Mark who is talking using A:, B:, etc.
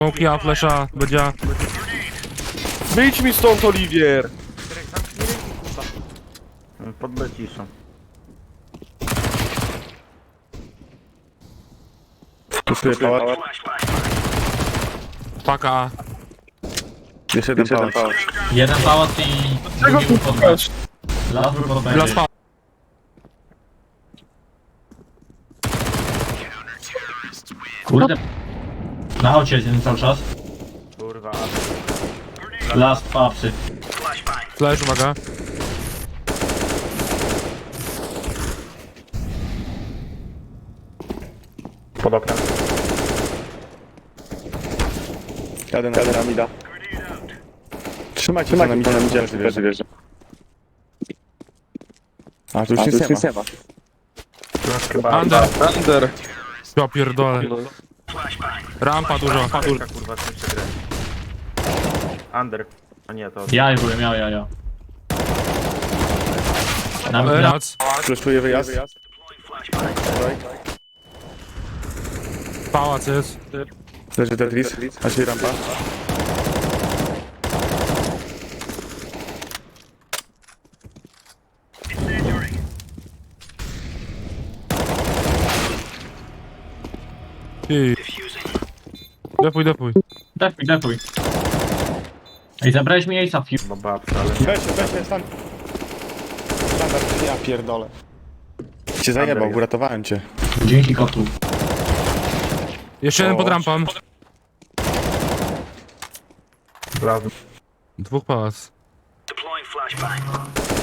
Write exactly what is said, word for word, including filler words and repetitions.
A: Smokia, flesza, będzie.
B: Wyjdź mi stąd, Oliwier!
C: Pod B ciszą.
B: Kupuję pałac.
A: Paka.
B: Jeszcze jeden pałac.
D: Jeden pałac i drugi był pod B. Las był pod B.
A: Dla spa.
D: Kurde. Na aucie jest jeden cały czas.
C: Kurwa.
D: Las, papsy.
A: Flash, uwaga.
B: Pod oknem. Jadę na, Jadę na mida. Trzymajcie, Trzymajcie na mida, na mida, wierzę, wierzę. A, tu już jest nie Seba.
A: Under.
B: Under.
A: Ja pierdolę. Rampa dużo.
C: Kurwa, kurwa, co jeszcze grę. Under. A nie, to...
D: Ja byłem, ja, ja, ja. Na, na,
A: Rac.
B: Fleszuję wyjazd.
A: Pałac jest.
B: Leży Tetris, a się rampa.
A: Ty. Depuj, depuj.
D: defuj, defuj. Ej, zabrałeś mi Ace'a Fuse.
C: Bo babka, ale...
B: Weź, weź, stan. Standard, ja pierdolę. Cię zajebał, uratowałem cię.
D: Dzięki kotu.
A: Jeszcze jeden
B: O.
A: pod rampą.
C: Plazm.
A: Dwóch pałac.